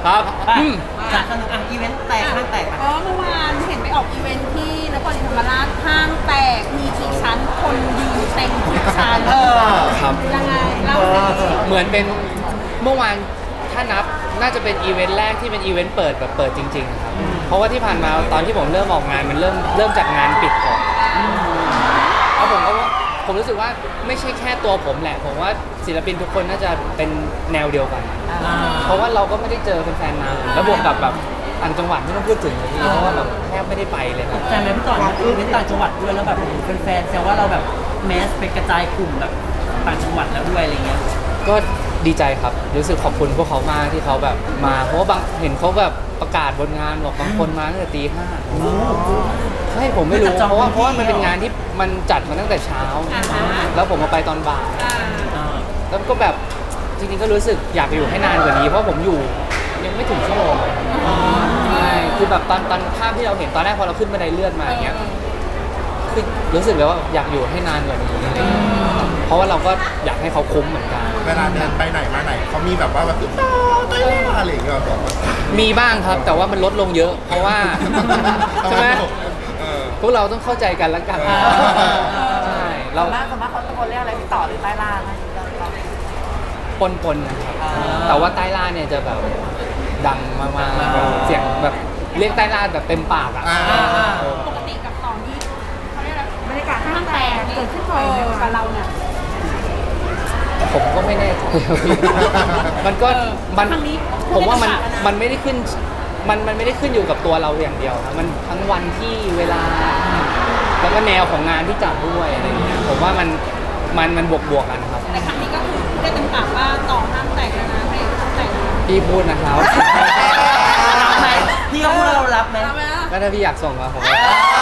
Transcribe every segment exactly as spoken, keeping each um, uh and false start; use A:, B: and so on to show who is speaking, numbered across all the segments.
A: ครับอืม
B: สนุกอ่ะอีเวนต์แตกห้างแตก
C: อ๋อเมื่อวานเห็นไปออกอีเวนท์ที่นครศรีธรรมราชห้างแตกมีกี่ชั้นคนยืนเต็มทุกชั้น
B: เออ
A: ครับ
C: ยังไงเล่าสิ
A: เหมือนเป็นเมื่อวานถ้านับน่าจะเป็นอีเวนต์แรกที่เป็นอีเวนต์เปิดแบบเปิดจริงๆครับเพราะว่าที่ผ่านมาตอนที่ผมเริ่มออกงานมันเริ่มเริ่มจากงานปิดก่อนแล้วผมก็ว่าผมรู้สึกว่าไม่ใช่แค่ตัวผมแหละผมว่าศิลปินทุกคนน่าจะเป็นแนวเดียวกัน เพราะว่าเราก็ไม่ได้เจอแฟนๆนานแล้วบวกกับแบบต่างจังหวัดไม่ต้องพูดถึงเลยพี่เพราะว่าแบบแทบไม่ได้ไปเลยครับ
B: ใช่ไหมพี่ต่ออีเวนต์ต่างจังหวัดด้วยแล้วแบบแฟนๆแซวว่าเราแบบแมสไปกระจายกลุ่มแบบต่างจังหวัดแล้วด้วยอะไรเงี้ย
A: ก็ดีใจครับรู้สึกขอบคุณพวกเขามากที่เขาแบบมาเพราะว่าบางเห็นเขาแบบประกาศบนงานบอกบางคนมาตั้งแต่ตีห้าใช่ผมไม่รู้เพราะว่าเพราะว่ามันเป็นงานที่มันจัดมาตั้งแต่เช้า แล้วผมมาไปตอนบ่ายแล้วก็แบบจริงๆก็รู้สึกอยากอยู่ให้นานกว่านี้เพราะผมอยู่ยังไม่ถึงชั่วโมงใช่คือแบบตอนตอนภาพที่เราเห็นตอนแรกพอเราขึ้นบันไดเลื่อนมาอย่างเงี้ยคือรู้สึกเลยว่าอยากอยู่ให้นานกว่านี้เพราะว่าเราก็อยากให้เขาคุ้มเหมือนกัน
D: เวลาเดินไปไหนมาไหนเขามีแบบว่าแบบตุ๊กตาตัวเล็กอะไรอย่างเงี้ยแบบว่า
A: มีบ้างครับแต่ว่ามันลดลงเยอะ เพราะว่าใช่ไหม
D: เออ
A: พวกเราต้องเข้าใจกันแล้วกันใช่เรา
E: สมมติสมมติเขาตะโกนเรียกอะไรพี่ต่อหรือใต้ล่างนะ
A: ปนปนๆนะครับแต่ว่าใต้ล่าเนี่ยจะแบบดังมากๆแบบเสียงแบบเรียกใต้ล่าแบบเต็มปากอ่ะ
D: อ่า
A: เออ
C: ปกติกับต่อนี่เขาเรียกอะไร
E: บรรยากาศห้างแตกเกิดขึ้นบ่อยไหม
C: กับเราเนี่ย
A: ผมก็ไม่แน่ใจ มันก็มัน
C: ครั้งนี้
A: ผมว่ามัน
C: พูดได้
A: มันไม่ได้ขึ้นมันมันไม่ได้ขึ้นอยู่กับตัวเราอย่างเดียวครับมันทั้งวันที่เวลา แล้วก็แนวของงานที่จัดด้วยอะไรอย่างเงี้ยผมว่ามันมันมันบวกบวกๆกันครับ
C: แต่ครั้งนี้ก็คือพูดได้เต็มปากว่าต่อห้างแตกแล้วนะให้ห้างแตกแล้ว
A: พี่พูดนะครับ
B: รับไหมพี่ก็พูดแล้วเรารับไหม
C: ทำไมล่ะ
A: ก็ถ้าพี่อยากส่งมาผมก็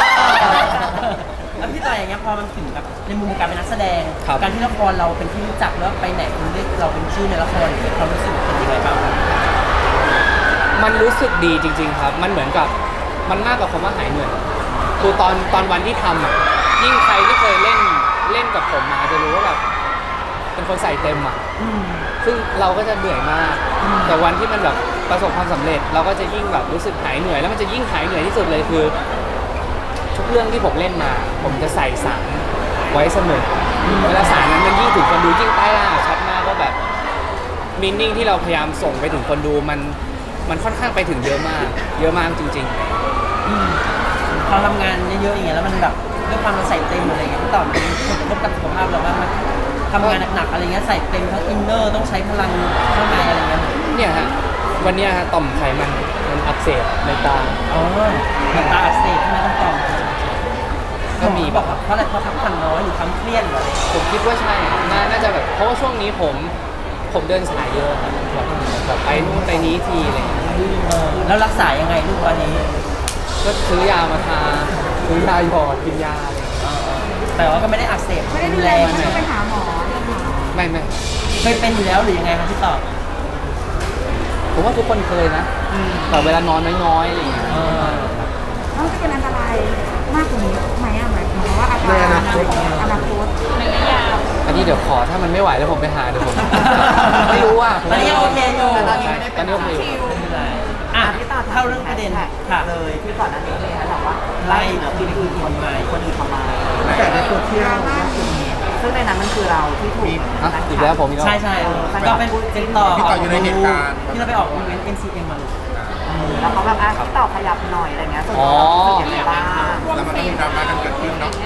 B: แล้วพี่ต่ออย่างเงี้ยพอมันถึงแบบในมุมการเป็นนักแสดง
A: ครับ
B: การที่ละครเราเป็นที่รู้จักแล้วไปไหนคนเรียกเราเป็นชื่อในละครอย่างเงี้ยความรู้สึกเป็นยังไงบ้างครับ
A: มันรู้สึกดีจริง ๆ ครับ มันเหมือนกับมันมากกว่าคำว่าหายเหนื่อยคือตอนตอนวันที่ทำอ่ะยิ่งใครที่เคยเล่นเล่นกับผมมาจะรู้ว่าแบบเป็นคนใส่เต็มอ่ะ
B: อืม
A: ซึ่งเราก็จะเหนื่อยมาก แต่วันที่มันแบบประสบความสำเร็จ เราก็จะยิ่งแบบรู้สึกหายเหนื่อย แล้วมันจะยิ่งหายเหนื่อยที่สุดเลยคือ ทุกเรื่องที่ผมเล่นมา ผมจะใส่สารไว้เสมอเวลาสารนั้นมันยิ่งถึงคนดูยิ่งใต้ล่าชัดมากว่าแบบมินนิ่งที่เราพยายามส่งไปถึงคนดูมันมันค่อนข้างไปถึงเยอะมาก เยอะมากจริง
B: อืมพอทำงานเยอะๆอย่างเงี้ยแล้วมันแบบด้วยความเราใส่เต็มอะไรเงี้ยพี่ต่อมันมีผลกระทบกับสุขภาพเราบ้างไหมทำงานหนักๆอะไรเงี้ยใส่เต็มทั้งอินเนอร์ต้องใช้พลังข้างในอะไรเงี้ย
A: ๆเนี่ยฮะวันเนี้ยฮะต่อมไขมันมันอักเสบในตา
B: อ๋อมันตาอักเสบใช่ไหมต้องต่อม
A: ก็มี
B: บอกว่าเพราะอะไรเพราะพักผ่อนน้อยหรือความเครียดเหรอ
A: ผมคิดว่าใช่น่าน่าจะแบบเพราะว่าช่วงนี้ผมผมเดินสายเยอะครับแบบแบบไปนู่นไปนี้ทีอะไรอย่างเงี้ย
B: เออแล้วรักษายังไงลูกวันนี้
A: ก็ซื้อยามาทาซื้อยาหยอดกินยาอะไรอย่างเงี้ย
B: เออแต่ว่าก็ไม่ได้อักเสบ
E: ไม่ได้ดูแลมันต้องไปหาหมอ
A: ไม่ไม่
B: เคยเป็นอยู่แล้วหรือยังไงครับพี่ต่อ
A: ผมว่าทุกคนเคยนะแบบเวลานอนน้อยๆอะไรอย่างเงี้ย
B: เออ
E: มันจะเป็นอันตรายมากกว่านี้ไหมอะหมายถึงว่าอาการอนาคตอนาคต
C: ระยะยาว
A: อันนี้เดี๋ยวขอถ้ามันไม่ไหวแล้วผมไปหาเดี๋ยวผม ไม่รู้ว่า
B: ตอนนี้ยังโอเคอยู่
D: แต่ตอนนี้ไม่ได้เป็น
A: ตอนนี้โอเคอยู่
B: ไม่เป็นไรอ่ะ
E: พี่ต่อ
B: เข้าเรื่องประเด็นค่ะ
E: เลยที่ก่อนหน้านี้เลยนะแบบว่า
B: ไล่ที่อื่นคนมา
E: คนอื่นทำไม
D: แต่ในโซเชียล
E: ซึ่งในนั้นมันคือเราที่ถูก
A: อ่ะอีกแล้วผมอีกแล้ว
B: ใช่ใช่ก็เป็นเป็นต่อ
D: พี่ต่ออยู่ในเหตุการณ์
B: ที่เราไปออกอีเวนต์ เอ็ม ซี เอ็ม มาลูก
E: แล้วเขาแบบอ่ะพี่ต่อขยับหน่อยอะไรเงี้ยส่วนตัวเรารู้สึกยังไงบ้าง
D: แล้วมันก็มีดราม่ากันเกิดขึ้นเนาะ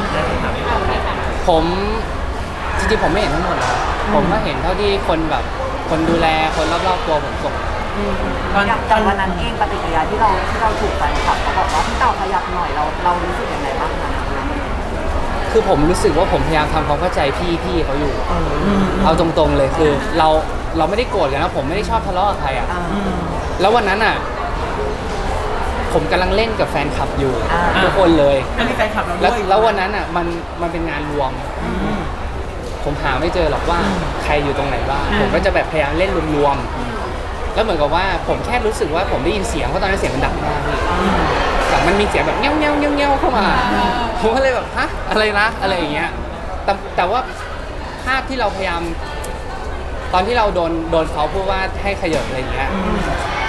A: ผมจริงๆผมไม่เห็นทั้งหมดหรอกผมก็เห็นเท่าที่คนแบบคนดูแลคนรอบๆตัวผมส่ง
B: ตอน
E: อย่าง
B: ตอน
E: วันนั้นเองปฏิกิริยาที่เราที่เราถูกแฟนคลับเขาบอกว่าพี่ต่อขยับหน่อยเราเรารู้สึกยังไงบ้างคะ
A: คือผมรู้สึกว่าผมพยายามทำความเข้าใจพี่พี่เขาอยู่
B: อืม
A: เอาตรงๆเลยคือเราเราไม่ได้โกรธกันนะผมไม่ได้ชอบทะเลาะกับใครอ่ะ
B: อืม
A: แล้ววันนั้นอ่ะ ผมกำลังเล่นกับแฟนคลับอยู่
E: อ่า
A: ทุกคนเลย
B: ก็มีแฟนคลับเรา
A: แล้ว
B: ด้วย
A: แล้ววันนั้นอ่ะมันมันเป็นงานรวม
B: อืม
A: ผมหาไม่เจอหรอกว่าใครอยู่ตรงไหนบ้าง
B: อืม
A: ผมก็จะแบบพยายามเล่นรวมๆแล้วเหมือนกับว่าผมแค่รู้สึกว่าผมได้ยินเสียงเพราะตอนนั้นเสียงมันดังมากพี่แบบมันมีเสียงแบบเงี้ยวเงี้ยวเงี้ยวเงี้ยวเข้ามาผมก็เลยแบบฮะอะไรนะอะไรอย่างเงี้ยแต่แต่ว่าภาพที่เราพยายาม ตอนที่เราโดนโดนเขาพูดว่าให้ขยับอะไรอย่างเงี้ย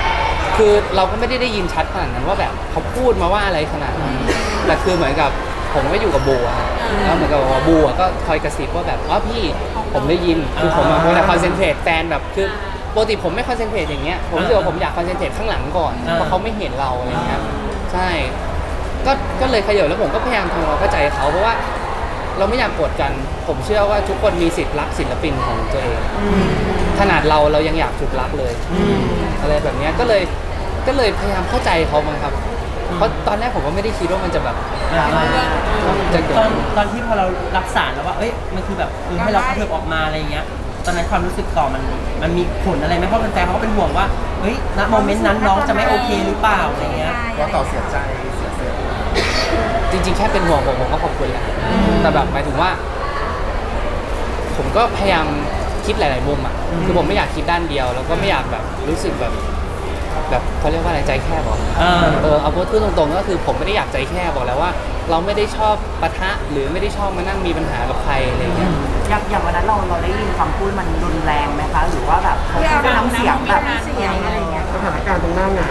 A: คือเราก็ไม่ได้ได้ยินชัดขนาดนั้นว่าแบบเขาพูดมาว่าอะไรขนาดนั้นแต่คือเหมือนกับผมก็อยู่กับบูอะแล้วเหมือนกับว่าบูอะก็คอยกระซิบว่าแบบอ๋อพี่ผมได้ยินคือผมอะเวลาคอนเซนเทรตแฟนแบบคือปกติผมไม่คอนเซนเทรตอย่างเงี้ยผมรู้สึกว่าผมอยากคอนเซนเทรตข้างหลังก่อนเพราะเขาไม่เห็นเราอะไรเงี้ยใช่ก็ก็เลยขยับแล้วผมก็พยายามทำความเข้าใจเขาเพราะว่าเราไม่อยากโกรธกัน ผมเชื่อว่าทุกคนมีสิทธิ์รักศิลปินของตัวเองขนาดเราเรายังอยากถูกรักเลยอะไรแบบเนี้ยก็เลยก็เลยพยายามเข้าใจเขามั้งครับเพราะตอนแรกผมก็ไม่ได้คิดว่ามันจะแบบจะเกิด
B: ตอนตอนที่พอเรารับสารแล้วว่าเอ้ยมันคือแบบคือให้เรากระเถิบออกมาอะไรอย่างเงี้ยตอนนั้นความรู้สึกต่อมันมันมีผลอะไรไหมเพราะแฟนๆเขาก็เป็นห่วงว่าเฮ้ยณโมเมนต์นั้นน้องจะไม่โอเคหรือเปล่าอะไรเงี้ย
D: ว่าต่อเสียใจเสียเสีย
A: จริงๆ แค่เป็นห่วงผมผมก็ขอบคุณแหละแต่แบบหมายถึงว่า ผมก็พยายามคิดหลายๆมุมอ่ะคือผมไม่อยากคิดด้านเดียว แล้วก็ไม่อยากแบบรู้สึกแบบ แบบเขาเรียกว่าอะไรใจแคบหรอ
B: เออ
A: เออเอาพูดตรงๆก็คือผมไม่ได้อยากใจแคบบอกแล้วว่า เราไม่ได้ชอบปะทะหรือไม่ได้ชอบมานั่งมีปัญหากับใครอะไรเงี้ย
F: อย่างอย่างวันนั้นเราเราได้ยินคำพูดมันรุนแรงไหมคะ หรือว่าแบบเขาพูดด้วยน้ำเสียงแบบเสียงอะไรเงี้ย
E: สถานการณ์ตรงหน้างาน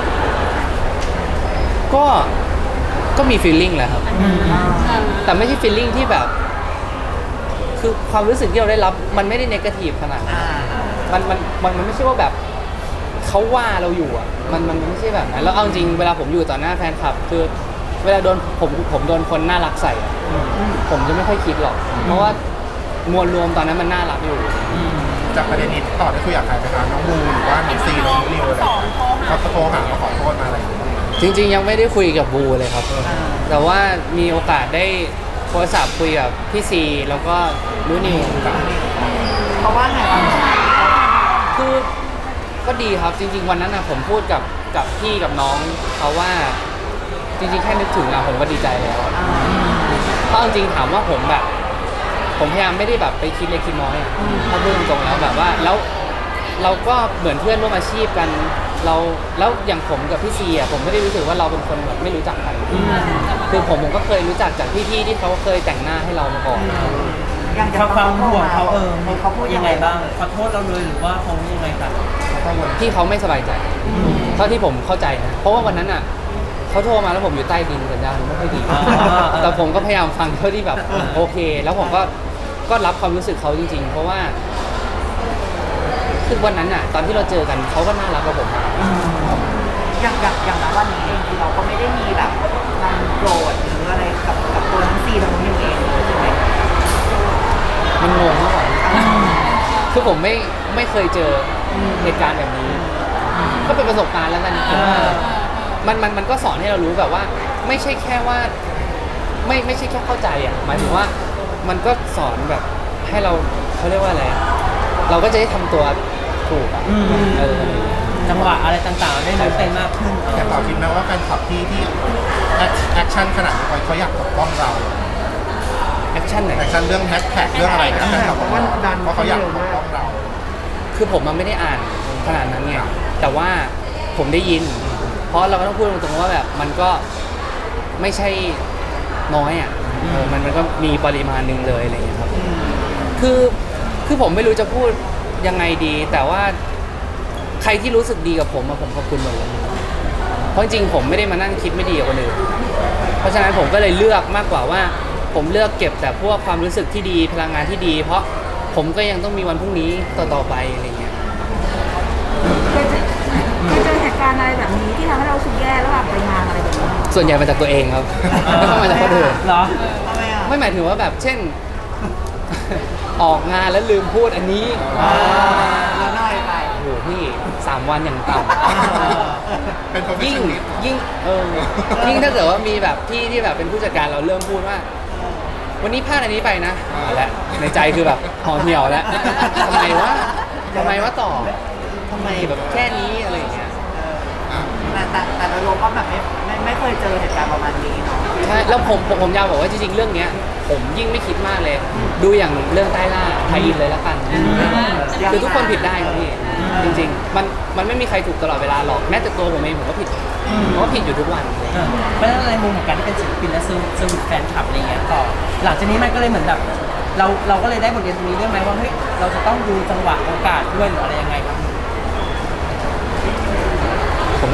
A: ก็ก็มี feeling แหละครับ แต่ไม่ใช่ feeling ที่แบบ คือความรู้สึกที่เราได้รับมันไม่ได้ negative ขนาดนั้น มันมันมันมันไม่ใช่ว่าแบบเขาว่าเราอยู่อ่ะมันมันไม่ใช่แบบนั้นแล้วเอาจริงเวลาผมอยู่ต่อหน้าแฟนคลับคือเวลาโดนผมผมโดนคนน่ารักใส่อะผมจะไม่ค่อยคิดหรอก เพราะว่ามวลรวมตอนนั้นมันน่ารักอยู่
D: จากประเด็นนี้ต่อได้คุยกับใครไหมคะน้องบูหรือว่าน้องซีน้องนิวอะไรเขาโทรหามาขอโทษมาอะไรอย่างเงี้ย
A: จริงๆยังไม่ได้คุยกับบูเลยครับ แต่ว่ามีโอกาสได้โทรศัพท์คุยกับพี่ซีแล้วก็นูนิว
F: เพราะว่าไงบ้าง
A: คือก็ดีครับจริง ๆ วันนั้นนะผมพูดกับกับพี่กับน้องเขาว่าจริงๆแค่นึกถึงอะผมก็ดีใจแล้วเพราะจริงๆถามว่าผมแบบ ผมพยายามไม่ได้แบบไปคิดเล็กคิดน้อยอะถ้าพูดตรงๆแล้วแบบว่าแล้วเราก็เหมือนเพื่อนร่วมอาชีพกันเราแล้วอย่างผมกับพี่ซีอะผมไม่ได้รู้สึกว่าเราเป็นคนแบบไม่รู้จักกันคือผมผมก็เคยรู้จักจากพี่ๆที่เขาเคยแต่งหน้าให้เรามาก่อน
F: อย่าง
B: ความความห่วงเขาเออ
F: เขาพูด
B: ยังไงบ้างขอโทษเราเลยหรือว่าเขายังไงครับ
A: พี่เขาไม่สบายใจเท่าที่ผมเข้าใจนะเพราะว่าวันนั้นอ่ะเขาโทรมาแล้วผมอยู่ใต้ดินสัญญาณไม่ค่อยดี แต่ผมก็พยายามฟังเท่าที่แบบโอเค แล้วผมก็ก็รับความรู้สึกเขาจริง ๆ เพราะว่าคือวันนั้นอ่ะ ตอนที่เราเจอกันเขาก็น่ารักกับผมมาก
F: อย่างอย่างอย่างณวันนี้เองคือเราก็ไม่ได้มีแบบความโกรธหรืออะไรกับกับตัวทั้งซีทั้งนิวเองเลยใช่ไหม
A: มันงงมากกว่าคือผมไม่ไม่เคยเจอเหตุการณ์แบบนี้ ก็เป็นประสบการณ์แล้วกันมันมันมันก็สอนให้เรารู้แบบว่า ไม่ใช่แค่ว่า ไม่ไม่ใช่แค่เข้าใจอ่ะหมายถึงว่ามันก็สอนแบบให้เราเขาเรียกว่าอะไรเราก็จะได้ทำตัวถูกอ่ะเออ
B: จังหวะอะไรต่างๆได้รู้เป็นมากขึ้น
D: แต่เราคิดไหมว่าแฟนคลับที่ที่แอคชั่นขนาดนี้เขาอยากปกป้องเรา
A: แอคชั่นไหน
D: แอคชั่นเรื่องแฮชแท็กเรื่องอะไรนะแฟนคลับของเราเพราะเขาอยากปกป้องเรา
A: คือผมมันไม่ได้อ่านขนาดนั้นไงแต่ว่าผมได้ยิน เพราะเราก็ต้องพูดตรงๆว่าแบบมันก็ไม่ใช่น้อยอ่ะเออมันมันก็มีปริมาณหนึ่งเลยอะไรอย่างเงี้ยครับคือคือผมไม่รู้จะพูดยังไงดี แต่ว่าใครที่รู้สึกดีกับผมอะผมขอบคุณหมดเลยเพราะจริงๆผมไม่ได้มานั่งคิดไม่ดีกับคนอื่นเพราะฉะนั้นผมก็เลยเลือกมากกว่าว่า ผมเลือกเก็บแต่พวกความรู้สึกที่ดีพลังงานที่ดี เพราะผมก็ยังต้องมีวันพรุ่งนี้ต่อๆไปอะไรเงี้ย
E: เคยเจอเคยเจอเหตุการณ์อะไรแบบนี้ที่ทำให้เรารู้สึกแย่แล้วแบบไปงานอะไรแบบนี้
A: ส่วนใหญ่มาจากตัวเองครับ ไม่ต้องมาจากคนอื่น
B: เหรอ
F: ทำไมอ่ะ
A: ไม่หมายถึงว่าแบบเช่น ออกงานแล้วลืมพูดอันนี้
F: แล้วน้อยไป
A: โอ้โหพี่สามวันอย่างต่ำ
D: เป็น
A: ยิ่ง
D: professionalist
A: ยิ่งเออยิ่งถ้าเกิดว่ามีแบบพี่ที่แบบเป็นผู้จัดการเราเริ่มพูดว่า วันนี้พลาดอันนี้ไปนะเอาละในใจคือแบบห่อเหี่ยวแล้วทำไมวะทำไมวะต่อทำไมแบบแค่นี้อะไรอย่างเงี้ย
F: แต่แต่แต่โดยรวมก็แบบไม่ไม่ไม่เคยเจอเหตุการณ์ประมาณนี้เนาะ
A: ใช่แล้วผมผมผมอยากบอกว่าจริงๆเรื่องเนี้ย ผมยิ่งไม่คิดมากเลย ดูอย่างเรื่องใต้ล่าไทยอินเลยละกันคือทุกคนผิดได้ครับพี่จริงๆ มันมันไม่มีใครถูกตลอดเวลาหรอกแม้แต่ตัวผมเองผมก็ผิดผมก็ผิดอยู่ทุกวัน
B: เออเพราะฉะนั้นในมุมของการที่เป็นศิลปินและเซอร์เซอร์วิสแฟนคลับอะไรเงี้ยต่อหลังจากนี้มันก็เลยเหมือนแบบเราเราก็เลยได้บทเรียนตรงนี้ด้วยไหมว่าเฮ้ยเราจะต้องดูจังหวะโอกาสด้วยหรืออะไรยังไงครับ
A: ผม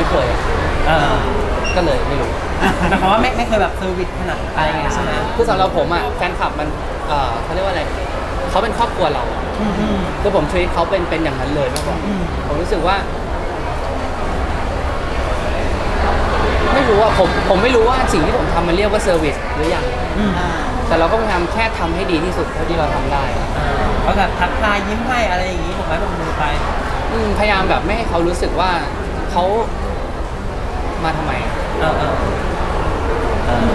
A: ก็เลยไม่รู้
B: หมายความว่าไม่ไม่เคยแบบเซอร์วิสขนาดอะไรอย่างเงี้ยใช่ไหม
A: คือสำหรับผมอ่ะแฟนคลับมันเอ่อเขาเรียกว่าอะไรเขาเป็นครอบครัวเรา
B: อืมอืม
A: คือผมชีวิตเขาเป็นเป็นอย่างนั้นเลยมากกว่า
B: อืม
A: ผมรู้สึกว่า ไม่รู้ว่าผมผมไม่รู้ว่าสิ่งที่ผมทำมันเรียกว่าเซอร์วิสหรือยัง
B: อืม
A: แต่เราก็พยายามแค่ทำให้ดีที่สุดเท่าที่เราทำได้
B: เขาแบบทักทายยิ้มให้อะไรอย่างงี้ผมไม่ผมมือไป
A: อืมพยายามแบบไม่ให้เขารู้สึกว่าเขามาทำไม
B: เออเออเออ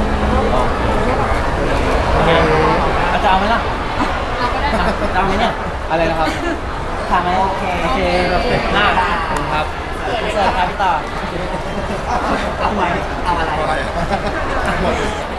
B: โอเคอาจจะเอาไหมล่ะจะเอาไหมเนี่ย
A: อะไรนะครับ
B: ถามไหมโอเคโอเคน่า
A: ขอบคุณครับ
B: เสิร์ฟครับพี่ต่อ
F: เอาไหมเอาอะไร
D: อะไรหมด